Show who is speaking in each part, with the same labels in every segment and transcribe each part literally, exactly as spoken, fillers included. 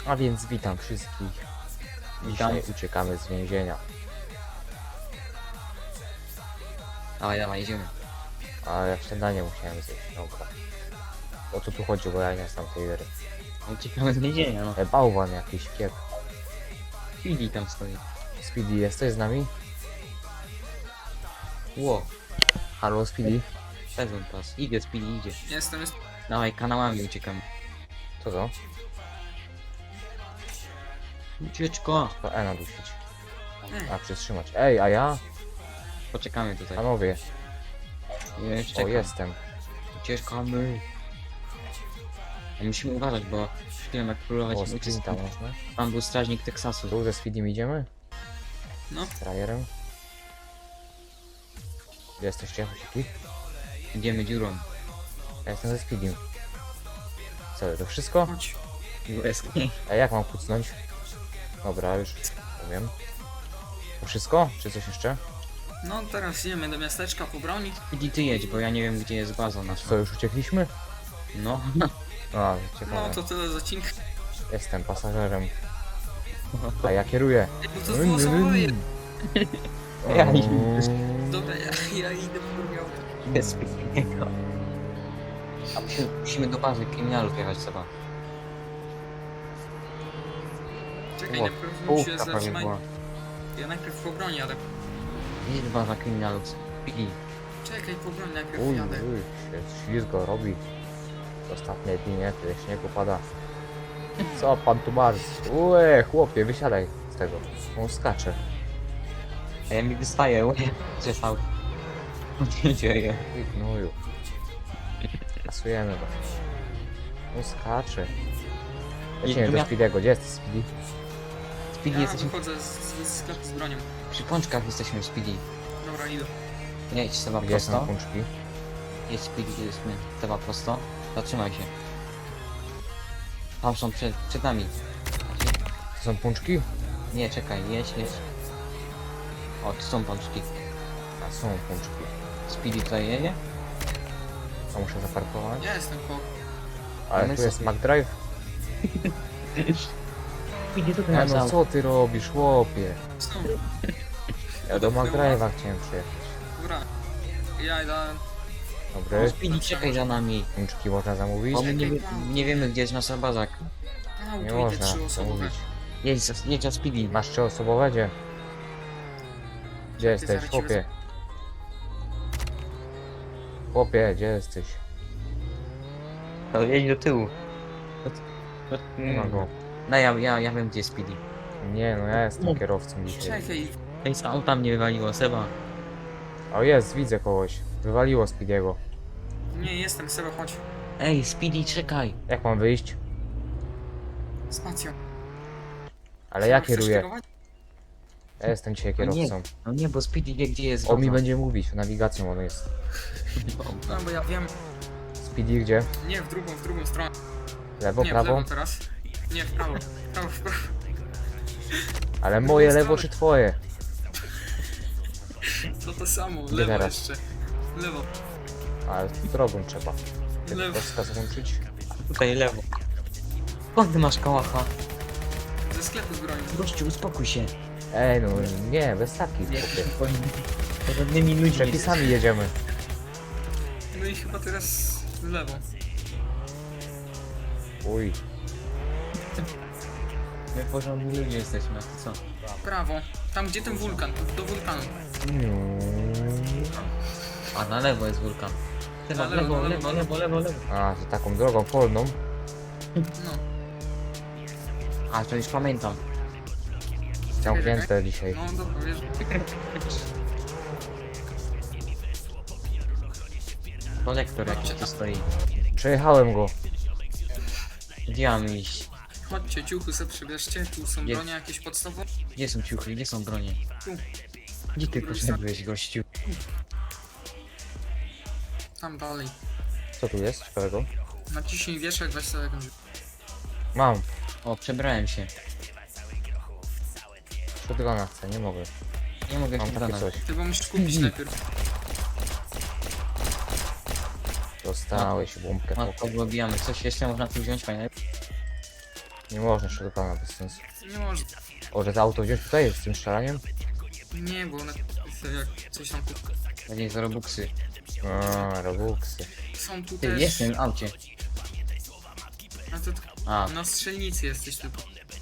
Speaker 1: A więc witam wszystkich. Dzisiaj
Speaker 2: Witam.
Speaker 1: uciekamy z więzienia.
Speaker 2: Dawaj, dawaj, idziemy.
Speaker 1: A ja śniadanie musiałem zjeść. Dobra. O co tu chodzi, bo ja nie znam tej gry.
Speaker 2: Uciekamy z więzienia, no.
Speaker 1: E, bałwan jakiś, kiep.
Speaker 2: Chwili tam stoi.
Speaker 1: Speedy, jesteś z nami?
Speaker 2: Ło,
Speaker 1: Halo Speedy?
Speaker 2: sezon pas. Idzie, Speedy, idzie.
Speaker 3: Jestem, jest...
Speaker 2: Dawaj, kanałami uciekamy.
Speaker 1: Co to?
Speaker 2: Ucieczko.
Speaker 1: To E nadusić.
Speaker 3: Ej,
Speaker 1: A, przytrzymać. Ej, a ja?
Speaker 2: Poczekamy tutaj.
Speaker 1: Panowie.
Speaker 2: Jeszcze
Speaker 1: O,
Speaker 2: czekam.
Speaker 1: jestem.
Speaker 2: Ucieczkamy. A musimy uważać, bo chwilę jak próbować
Speaker 1: O,
Speaker 2: uciec.
Speaker 1: Speedy tam można.
Speaker 2: Tam był strażnik Teksasu.
Speaker 1: Tu ze Speedym idziemy?
Speaker 3: no,
Speaker 1: Z trajerem? Gdzie jesteście, chłopaki?
Speaker 2: Idziemy dziurą.
Speaker 1: Ja jestem ze Speedym. Co, to wszystko?
Speaker 3: chodź.
Speaker 2: Łezki.
Speaker 1: A jak mam kucnąć? Dobra, już powiem. To wszystko? Czy coś jeszcze?
Speaker 3: No, teraz idziemy do miasteczka po broni.
Speaker 2: Speedy, ty jedź, bo ja nie wiem, gdzie jest baza nasza.
Speaker 1: Co, już uciekliśmy?
Speaker 2: No.
Speaker 1: A, ciekawe.
Speaker 3: No, to tyle z odcinka.
Speaker 1: Jestem pasażerem. A ja kieruję.
Speaker 3: Ej, bo to było zawołanie.
Speaker 2: Ja
Speaker 1: O,
Speaker 3: Dobra, ja, ja idę po broni.
Speaker 2: Jest Speedy'ego. A musimy, musimy do bazy kryminalów jechać trzeba.
Speaker 3: Czekaj,
Speaker 1: O,
Speaker 3: najpierw się
Speaker 2: Połówka prawie
Speaker 3: zatrzymaj.
Speaker 2: była.
Speaker 3: Ja najpierw po broni jadę.
Speaker 2: Jest baza kryminalów. Speedy.
Speaker 3: Czekaj, po broni najpierw
Speaker 1: Uj,
Speaker 3: jadę.
Speaker 1: uj, się ślizgo robi. Ostatnie dni, nie? Tyle śniegu pada. Co pan tu marzy? Ue, chłopie, wysiadaj z tego. On skacze.
Speaker 2: A ja mi wystaję, łeb przestał. Co się dzieje?
Speaker 1: Ty gnoju. Kasujemy go. On skacze. Lecimy
Speaker 2: tu
Speaker 1: do
Speaker 2: mia-
Speaker 1: Speedego. Gdzie jest Speedy?
Speaker 2: Speedy,
Speaker 3: Ja
Speaker 2: jesteśmy
Speaker 3: wychodzę z, z, z sklepu z bronią.
Speaker 2: przy pączkach, jesteśmy Speedy.
Speaker 3: Dobra, idę.
Speaker 2: Jedź Seba
Speaker 1: Gdzie są
Speaker 2: prosto.
Speaker 1: pączki?
Speaker 2: Jedź Speedy, gdzie jesteśmy. Seba prosto. Zatrzymaj się. Tam są przed, przed nami.
Speaker 1: To są pączki?
Speaker 2: Nie, czekaj, jedź, jedź. O, tu są pączki.
Speaker 1: A są pączki.
Speaker 2: Speedy tutaj jedzie?
Speaker 1: A muszę zaparkować.
Speaker 3: Ja jestem po...
Speaker 1: Ale
Speaker 2: my
Speaker 1: tu jest
Speaker 2: sobie-
Speaker 1: McDrive.
Speaker 2: Speedy tutaj
Speaker 1: E, no co ty robisz, chłopie?
Speaker 3: Co?
Speaker 1: Ja do McDrive'a chciałem przyjechać.
Speaker 3: Dobra. Ja idę...
Speaker 1: Dobry.
Speaker 2: Speedy, czekaj za nami.
Speaker 1: Pączki można zamówić?
Speaker 2: Bo my nie, wie- nie wiemy, gdzie jest nasza baza.
Speaker 3: A,
Speaker 1: Nie
Speaker 3: tu idę
Speaker 1: można
Speaker 3: trzyosobowe.
Speaker 1: zamówić.
Speaker 2: Jedź, za- jedź za Speedy.
Speaker 1: Masz trzyosobowe? Gdzie? Gdzie jesteś,
Speaker 3: zaraz ci
Speaker 1: chłopie? Chłopie, gdzie jesteś?
Speaker 2: To jedź do tyłu.
Speaker 1: Nie ma go.
Speaker 2: No ja, ja, ja wiem, gdzie jest Speedy.
Speaker 1: Nie, no ja jestem kierowcą dzisiaj.
Speaker 3: Czekaj,
Speaker 2: Ej, z auta mnie wywaliło, Seba.
Speaker 1: O jest, widzę kogoś. Wywaliło Speediego.
Speaker 3: nie jestem, Seba, chodź.
Speaker 2: Ej, Speedy, czekaj.
Speaker 1: Jak mam wyjść?
Speaker 3: Spacją.
Speaker 1: Ale ja
Speaker 3: Seba, chcesz
Speaker 1: kieruję.
Speaker 3: kierować?
Speaker 1: Ja jestem dzisiaj
Speaker 2: No nie,
Speaker 1: kierowcą.
Speaker 2: no nie, bo Speedy wie, gdzie jest
Speaker 1: On mi
Speaker 2: baza.
Speaker 1: będzie mówić, nawigacją on jest.
Speaker 3: No, bo ja wiem.
Speaker 1: Speedy gdzie?
Speaker 3: Nie, w drugą, w drugą stronę.
Speaker 1: Lewo,
Speaker 3: Nie, w
Speaker 1: prawo?
Speaker 3: lewo teraz. Nie, w prawo. W prawo, w prawo.
Speaker 1: Ale
Speaker 3: w
Speaker 1: moje
Speaker 3: drugą
Speaker 1: lewo
Speaker 3: stronę.
Speaker 1: czy twoje?
Speaker 3: To to samo,
Speaker 1: Gdzie
Speaker 3: lewo
Speaker 1: teraz?
Speaker 3: jeszcze. Lewo,
Speaker 1: Ale drogą trzeba.
Speaker 3: lewo.
Speaker 1: Rozkaz włączyć.
Speaker 2: Tutaj lewo. Skąd ty masz kałacha?
Speaker 3: Ze sklepu z bronią.
Speaker 2: Gościu, uspokój się.
Speaker 1: Ej, no nie, bez takich chłopie.
Speaker 2: Porządnymi ludźmi.
Speaker 1: Przepisami jedziemy.
Speaker 3: No i chyba teraz w lewo.
Speaker 1: Uj.
Speaker 2: My porządni ludzie jesteśmy, a ty co?
Speaker 3: W prawo. Tam gdzie ten wulkan, do wulkanu.
Speaker 2: A na lewo jest wulkan. Seba,
Speaker 3: Na
Speaker 2: lewo,
Speaker 3: lewo,
Speaker 2: lewo,
Speaker 3: na
Speaker 2: lewo, lewo, lewo.
Speaker 1: A, to taką drogą polną.
Speaker 3: No.
Speaker 2: A, to już pamiętam.
Speaker 1: Ciągnięte dzisiaj.
Speaker 3: No dobra, wiesz.
Speaker 2: Kolektor jakiś tu stoi.
Speaker 1: Przejechałem go.
Speaker 2: Gdzie mam iść?
Speaker 3: Chodźcie, ciuchy sobie przybierzcie. Tu są
Speaker 2: Jest.
Speaker 3: bronie jakieś podstawowe.
Speaker 2: Gdzie są ciuchy? Gdzie są bronie?
Speaker 3: Tu.
Speaker 2: Gdzie ty poszedłeś, gościu?
Speaker 3: Tam dalej.
Speaker 1: Co tu jest ciekawego?
Speaker 3: Naciśnij wieszak, weź sobie jakąś...
Speaker 1: Mam.
Speaker 2: O, przebrałem się.
Speaker 1: Shotguna chcę, nie mogę.
Speaker 2: Nie mogę
Speaker 1: Mam
Speaker 2: się
Speaker 1: takie
Speaker 2: dodać.
Speaker 1: coś.
Speaker 3: Ty bo musisz kupić najpierw.
Speaker 1: Dostałeś bombkę.
Speaker 2: Matko,
Speaker 1: chłopie.
Speaker 2: wybijamy. Coś jeszcze można tu wziąć, fajne?
Speaker 1: Nie można jeszcze pana bez sensu.
Speaker 3: Nie może.
Speaker 1: O, że to auto wziąć tutaj z tym strzelaniem?
Speaker 3: Nie, bo one jak coś tam tu
Speaker 2: Pewnie za robuxy.
Speaker 1: A, Robuxy.
Speaker 3: są tu
Speaker 2: Ty,
Speaker 3: też.
Speaker 2: jest w tym aucie.
Speaker 3: A to
Speaker 2: A,
Speaker 3: na strzelnicy jesteś tylko.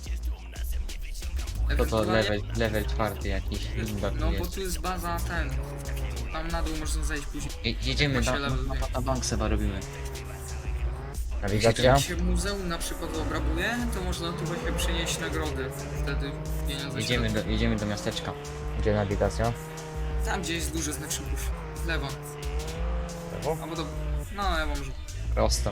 Speaker 2: to to
Speaker 3: Ewentualnie-
Speaker 2: level, level czwarty jakiś. Chyba tu
Speaker 3: No bo
Speaker 2: jest.
Speaker 3: tu jest baza ten. Tam na dół można zejść później.
Speaker 2: Je- Jedziemy,
Speaker 3: Jak
Speaker 2: na,
Speaker 3: się
Speaker 2: na,
Speaker 3: level
Speaker 2: na,
Speaker 3: wie.
Speaker 2: na bank seba robimy.
Speaker 1: Nawigacja?
Speaker 3: Jak się muzeum na przykład obrabuje, to można tu właśnie przynieść nagrody. Wtedy pieniądze
Speaker 2: Jedziemy
Speaker 3: się
Speaker 2: do, jedziemy do miasteczka.
Speaker 1: Gdzie nawigacja?
Speaker 3: Tam gdzie jest duży znak szybków. W lewo.
Speaker 1: Lewo?
Speaker 3: Albo do... No lewo może.
Speaker 2: Prosto.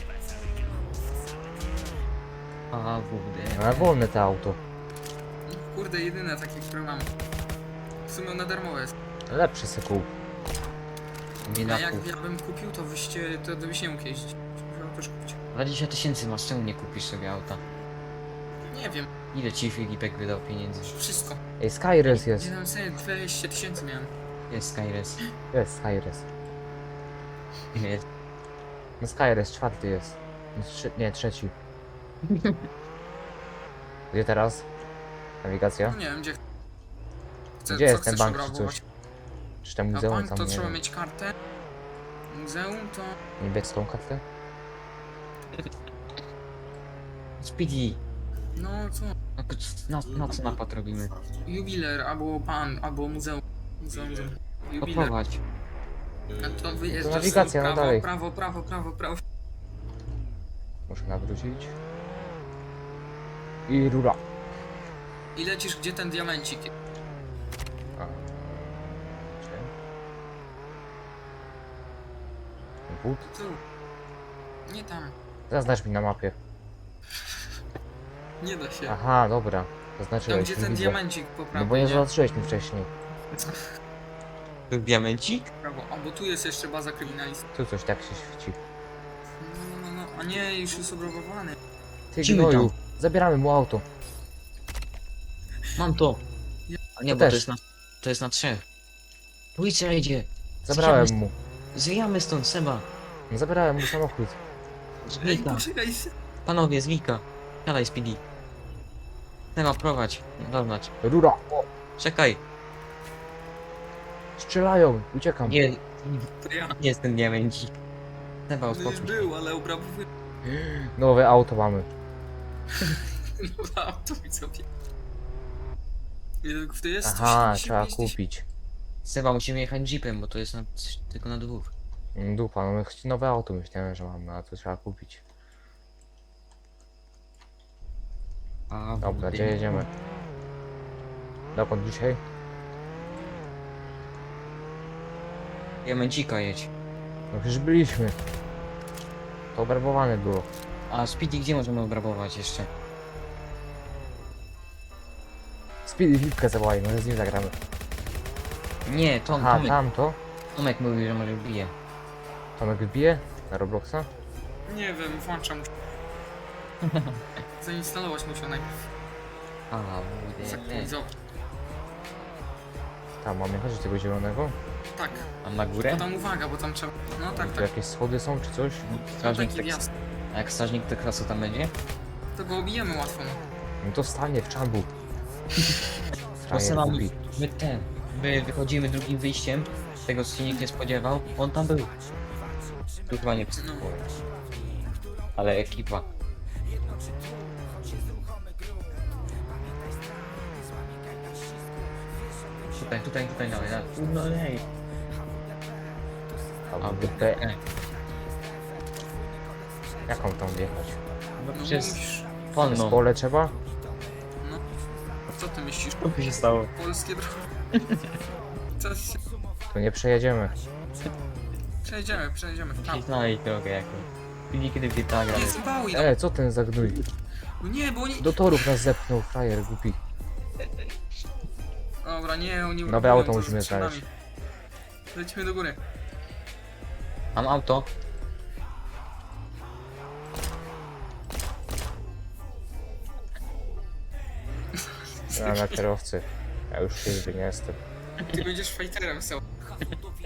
Speaker 2: A, W
Speaker 1: No, ale wolne to auto.
Speaker 3: Kurde, jedyne takie, które mam. W sumie one darmowe jest.
Speaker 1: Lepszy sekuł.
Speaker 3: A jak
Speaker 2: Biedaków.
Speaker 3: ja bym kupił, to wyście, to byś nie mógł jeździć. Musiał też kupić.
Speaker 2: dwadzieścia tysięcy masz, czemu nie kupisz sobie auta?
Speaker 3: Nie wiem,
Speaker 2: Ile ci Filipek wydał pieniędzy?
Speaker 3: wszystko.
Speaker 1: Ej, Skyres jest.
Speaker 3: Nie wiem, sobie dwieście tysięcy miałem.
Speaker 2: Jest Skyres.
Speaker 1: Jest Skyres.
Speaker 2: Jest.
Speaker 1: No Skyres czwarty jest. No, Trze nie, trzeci. Gdzie teraz? Nawigacja?
Speaker 3: No nie wiem, gdzie... Chcę,
Speaker 1: Gdzie
Speaker 3: co
Speaker 1: jest ten
Speaker 3: chcesz
Speaker 1: bank czy
Speaker 3: obrabować?
Speaker 1: coś? Czy tam
Speaker 3: A
Speaker 1: muzeum
Speaker 3: bank
Speaker 1: tam
Speaker 3: to
Speaker 1: nie
Speaker 3: trzeba
Speaker 1: wiem.
Speaker 3: mieć kartę. Muzeum to...
Speaker 1: Niebieską kartę?
Speaker 2: Speedy.
Speaker 3: No co?
Speaker 2: Na, na, na co napad robimy?
Speaker 3: Jubiler, albo pan, albo muzeum. Muzeum, muzeum. Jubiler.
Speaker 2: Odprowadź.
Speaker 3: A to wyjeżdżasz
Speaker 1: To nawigacja,
Speaker 3: sobie
Speaker 1: no
Speaker 3: prawo,
Speaker 1: dalej.
Speaker 3: prawo, prawo, prawo, prawo.
Speaker 1: Muszę nawrócić. I rura.
Speaker 3: I lecisz gdzie ten diamencik.
Speaker 1: A, gdzie? Wód?
Speaker 3: Tu. Nie tam.
Speaker 1: Zaznacz mi na mapie.
Speaker 3: Nie da się.
Speaker 1: Aha, dobra.
Speaker 3: Tam
Speaker 1: Zaznaczyłeś,
Speaker 3: gdzie
Speaker 1: nie
Speaker 3: ten
Speaker 1: widzę.
Speaker 3: diamencik po prawo.
Speaker 1: No bo nie
Speaker 3: nie?
Speaker 1: zobaczyłeś mi wcześniej.
Speaker 2: Tu diamencik?
Speaker 3: Prawo. A bo tu jest jeszcze baza kryminalistów.
Speaker 1: Tu coś tak się świeci.
Speaker 3: No, no, no, no. A nie, już jest obrabowany.
Speaker 1: Ty
Speaker 2: Lecimy
Speaker 1: gnoju, zabieramy mu auto.
Speaker 2: Mam to. A nie,
Speaker 1: To
Speaker 2: bo
Speaker 1: też.
Speaker 2: to jest na, to jest na trzech. Policja idzie.
Speaker 1: Zabrałem
Speaker 2: Zwijamy-
Speaker 1: mu.
Speaker 2: Zwijamy stąd, Seba.
Speaker 1: No, zabrałem mu samochód.
Speaker 3: Ej,
Speaker 2: Zwika.
Speaker 3: poczekaj się.
Speaker 2: Panowie, zwika. Siadaj, Speedy. Seba, prowadź. Zaznacz.
Speaker 1: Rura! O,
Speaker 2: Czekaj.
Speaker 1: strzelają, uciekam.
Speaker 2: Nie,
Speaker 3: To ja.
Speaker 2: nie jest ten diamencik. Seba,
Speaker 3: To już
Speaker 2: uspokój się.
Speaker 3: był, ale obrabowany.
Speaker 1: Nowe auto mamy.
Speaker 3: No, auto mi sobie. Ile to jest?
Speaker 1: Aha,
Speaker 3: sto
Speaker 1: trzeba
Speaker 3: siedemdziesiąt pięć
Speaker 1: kupić.
Speaker 2: Seba, musimy jechać jeepem, bo to jest na, tylko na dwóch.
Speaker 1: Mm, Dupa, no my chci- nowe auto myślałem, że mamy, a to trzeba kupić.
Speaker 2: A,
Speaker 1: Dobra, gdzie jedziemy? Dokąd dzisiaj?
Speaker 2: Diamencika jedź.
Speaker 1: No przecież byliśmy. To obrabowane było.
Speaker 2: A Speedy, gdzie możemy obrabować jeszcze?
Speaker 1: Speedy Lipkę zawołaj, może z nim zagramy.
Speaker 2: Nie, Tom,
Speaker 1: Aha,
Speaker 2: Tomek,
Speaker 1: tamto?
Speaker 2: Tomek mówił, że może bije.
Speaker 1: Tomek wbije? Na Robloxa?
Speaker 3: Nie wiem, włączam. Zainstalować musiał najpierw.
Speaker 2: A, mówię,
Speaker 3: Zaktualizować.
Speaker 1: Tam, mamy jechać do tego zielonego?
Speaker 3: Tak.
Speaker 2: a na
Speaker 3: To
Speaker 2: górę?
Speaker 3: tam uwaga, bo tam trzeba... No tak,
Speaker 1: Tu
Speaker 3: tak.
Speaker 1: jakieś schody są czy coś?
Speaker 2: Strażnik
Speaker 3: taki
Speaker 2: tak,
Speaker 3: wjazd.
Speaker 2: a jak strażnik Teksasu tam będzie?
Speaker 3: To go obijemy łatwo. No.
Speaker 1: No to stanie w czambu.
Speaker 2: Bo
Speaker 1: Frajer
Speaker 2: Seba,
Speaker 1: głupi.
Speaker 2: my ten, my wychodzimy drugim wyjściem, tego co się nikt nie spodziewał, on tam był. Tu chyba nie,
Speaker 3: No.
Speaker 2: ale ekipa. Tutaj, tutaj, tutaj dawaj, dawaj. No ej.
Speaker 1: A
Speaker 2: A,
Speaker 1: wypę...
Speaker 2: e,
Speaker 1: Jaką tam wjechać?
Speaker 2: no
Speaker 3: No
Speaker 2: przez
Speaker 3: musisz...
Speaker 1: Z
Speaker 2: polną.
Speaker 1: pole trzeba?
Speaker 3: No. Co ty myślisz?
Speaker 2: Co tu się stało?
Speaker 3: Polskie drogi. Co się...
Speaker 1: Tu nie przejedziemy.
Speaker 3: Przejdziemy, przejdziemy. Tam.
Speaker 2: Znaj drogę jakąś. Pilnie kiedy w G T A gramy.
Speaker 3: Nie, zbałuj no.
Speaker 1: E, co ten za gnój?
Speaker 3: No nie, bo oni...
Speaker 1: Do torów nas zepchnął, frajer głupi.
Speaker 3: Dobra, nie, oni...
Speaker 1: Nowe
Speaker 3: robią
Speaker 1: auto
Speaker 3: to
Speaker 1: musimy
Speaker 3: z skrzynami.
Speaker 1: znaleźć.
Speaker 3: Lecimy do góry.
Speaker 2: Mam auto.
Speaker 1: Ja na kierowcy. Ja już czyżby nie jestem.
Speaker 3: Ty będziesz fighterem, so.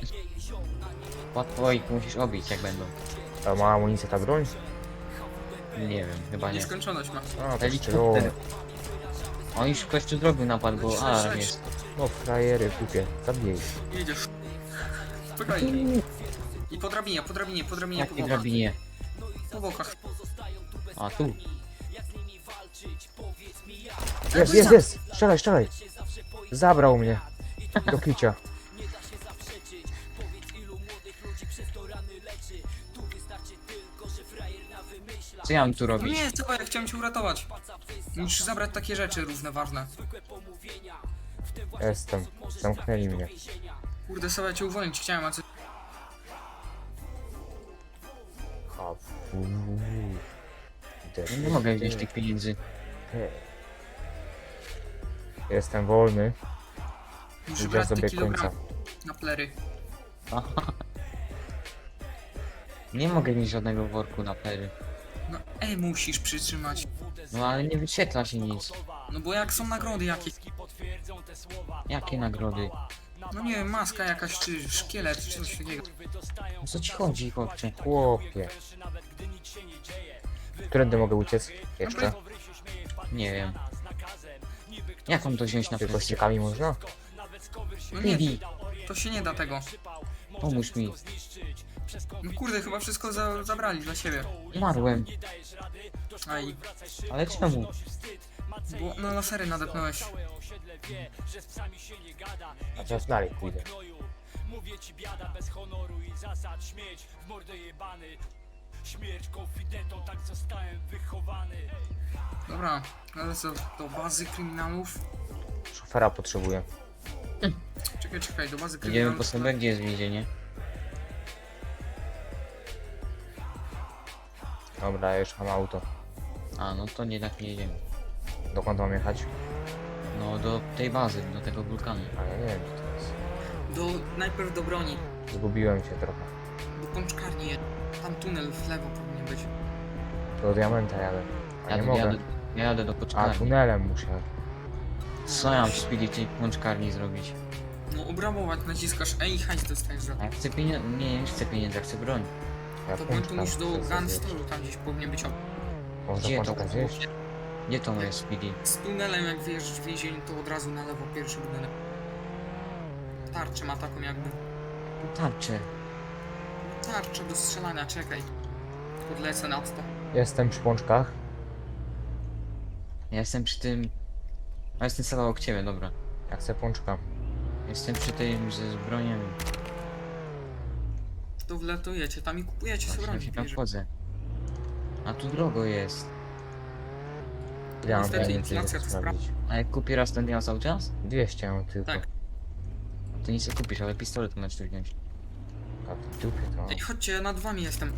Speaker 2: Łatwo i tu musisz obić jak będą.
Speaker 1: A ma amunicję ta broń?
Speaker 2: Nie wiem, chyba nie.
Speaker 3: Nieskończoność ma.
Speaker 1: A, to
Speaker 2: Helikopter.
Speaker 1: szczerze.
Speaker 2: On już ktoś tu zrobił napad, bo
Speaker 3: Sześć,
Speaker 2: alarm
Speaker 3: sześć.
Speaker 2: jest.
Speaker 1: No frajery, kupie. Zabij.
Speaker 3: Jedziesz. Spokojnie. I po drabinie, po drabinie, po drabinie, po
Speaker 2: Jakie
Speaker 3: bokach.
Speaker 2: drabinie?
Speaker 3: Po bokach.
Speaker 2: A tu.
Speaker 1: Jest, jest, jest! Strzelaj, strzelaj! Zabrał mnie. Do kicia.
Speaker 2: Co ja mam tu
Speaker 3: No
Speaker 2: robić?
Speaker 3: nie, co, ja chciałem cię uratować. Musisz zabrać takie rzeczy równoważne.
Speaker 1: Jestem. Zamknęli mnie.
Speaker 3: Kurde, sobie cię uwolnić chciałem, a co...
Speaker 1: A, fu.
Speaker 2: Ja nie mogę wziąć tych pieniędzy.
Speaker 1: Jestem wolny.
Speaker 3: Musisz
Speaker 1: Idę
Speaker 3: brać te
Speaker 1: sobie
Speaker 3: kilogramy
Speaker 1: końca.
Speaker 3: na plery.
Speaker 2: Nie mogę mieć żadnego worku na pery.
Speaker 3: No ej, musisz przytrzymać.
Speaker 2: No ale nie wyświetla się nic.
Speaker 3: No bo jak są nagrody jakieś,
Speaker 2: Jakie nagrody?
Speaker 3: no nie wiem, maska jakaś, czy szkielet, czy coś takiego.
Speaker 2: O co ci chodzi, chłopcze?
Speaker 1: Chłopie. Którędy mogę uciec? Jeszcze?
Speaker 2: Nie wiem. Jak mam to wziąć na
Speaker 1: Tylko
Speaker 2: plecy?
Speaker 1: ściekami można?
Speaker 3: No nie,
Speaker 2: Bibi,
Speaker 3: to się nie da tego.
Speaker 2: pomóż mi.
Speaker 3: No kurde, chyba wszystko za, zabrali dla siebie.
Speaker 2: Umarłem.
Speaker 3: Aj,
Speaker 2: Ale czemu?
Speaker 3: bo na lasery nadepnąłeś.
Speaker 1: A teraz dalej pójdę.
Speaker 3: Dobra, ale co, do bazy kryminalów?
Speaker 1: Szofera potrzebuję.
Speaker 3: Czekaj, czekaj, do bazy
Speaker 2: Idziemy po
Speaker 3: kryminalów.
Speaker 2: sobie, gdzie jest więzienie?
Speaker 1: Dobra, ja już mam auto.
Speaker 2: A, no to nie tak nie jedziemy.
Speaker 1: Dokąd mam jechać?
Speaker 2: No do tej bazy, do tego wulkanu.
Speaker 1: A ja nie wiem gdzie to jest.
Speaker 3: Do, najpierw do broni,
Speaker 1: Zgubiłem się trochę.
Speaker 3: do pączkarni. Tam tunel w lewo powinien być.
Speaker 1: Do diamenta jadę. A nie
Speaker 2: Jadę,
Speaker 1: mogę.
Speaker 2: jadę, ja jadę do
Speaker 1: A
Speaker 2: poczkarni.
Speaker 1: tunelem muszę.
Speaker 2: Co ja mam w speedy tej pączkarni zrobić?
Speaker 3: No obrabować, naciskasz E i hajs dostajesz za
Speaker 2: A
Speaker 3: to.
Speaker 2: ja chcę pieniądze, nie, nie chcę pieniędzy, ja chcę broń.
Speaker 1: Ja
Speaker 3: To bądź tu
Speaker 1: pączka
Speaker 3: niż do
Speaker 1: chcę zjeść.
Speaker 3: gunstoru, tam gdzieś powinien być.
Speaker 1: Można
Speaker 2: Gdzie to?
Speaker 1: pączka zjeść?
Speaker 2: Gdzie to moje speedy?
Speaker 3: Z tunelem jak wyjeżdżasz w więzieniu, to od razu na lewo pierwszy budynek. Tarczę ma taką jakby.
Speaker 2: Tarczę.
Speaker 3: Tarczę do strzelania, czekaj. Podlecę nad to.
Speaker 1: Jestem przy pączkach.
Speaker 2: Ja jestem przy tym... A jestem sama obok ciebie, dobra.
Speaker 1: Ja chcę pączka.
Speaker 2: Jestem przy tym ze zbrojami.
Speaker 3: To wlatujecie tam i kupujecie sobie
Speaker 2: Właśnie
Speaker 3: broń.
Speaker 2: się tam
Speaker 3: bierze.
Speaker 2: wchodzę. A tu drogo jest.
Speaker 1: Ja mam
Speaker 3: Niestety
Speaker 1: pieniędzy, żeby
Speaker 3: inflacja to
Speaker 1: sprawdzić.
Speaker 2: A jak kupię raz ten ja cały czas?
Speaker 1: dwieście mam tylko.
Speaker 3: Tak.
Speaker 2: To nic nie kupisz, ale pistolet możesz tu wziąć.
Speaker 1: A w dupie to.
Speaker 3: Ej, chodźcie, ja nad wami jestem.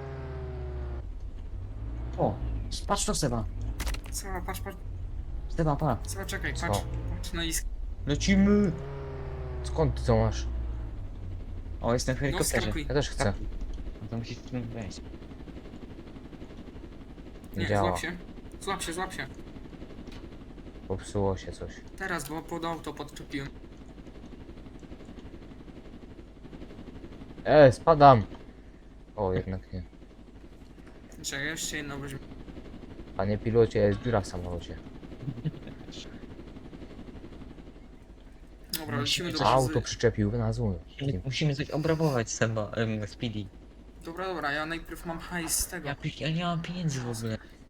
Speaker 2: O! Patrz to Seba!
Speaker 3: Co, patrz, patrz,
Speaker 2: Seba, pa!
Speaker 3: co, czekaj,
Speaker 1: Co?
Speaker 3: patrz. Patrz na isk.
Speaker 2: Lecimy!
Speaker 1: Skąd ty to masz?
Speaker 2: O, jestem w
Speaker 3: No
Speaker 2: helikopterze.
Speaker 3: skakuj.
Speaker 1: Ja też chcę.
Speaker 2: No to musisz tu wejść.
Speaker 1: Nie
Speaker 3: Nie,
Speaker 1: działa.
Speaker 3: złap się. Złap się, złap się.
Speaker 1: Popsuło się coś.
Speaker 3: Teraz, bo pod auto podczepiłem.
Speaker 1: E, spadam! O, jednak nie.
Speaker 3: Czekaj, jeszcze jedno weźmie.
Speaker 1: Panie pilocie, jest dziura w samolocie.
Speaker 3: Dobra, lecimy do
Speaker 2: Coś
Speaker 1: Auto
Speaker 3: bazy.
Speaker 1: przyczepił na zły.
Speaker 2: Musimy, musimy coś obrabować Seba, um, Speedy.
Speaker 3: Dobra, dobra, ja najpierw mam hajs z tego.
Speaker 2: Ja, pi- ja nie mam pieniędzy w ogóle.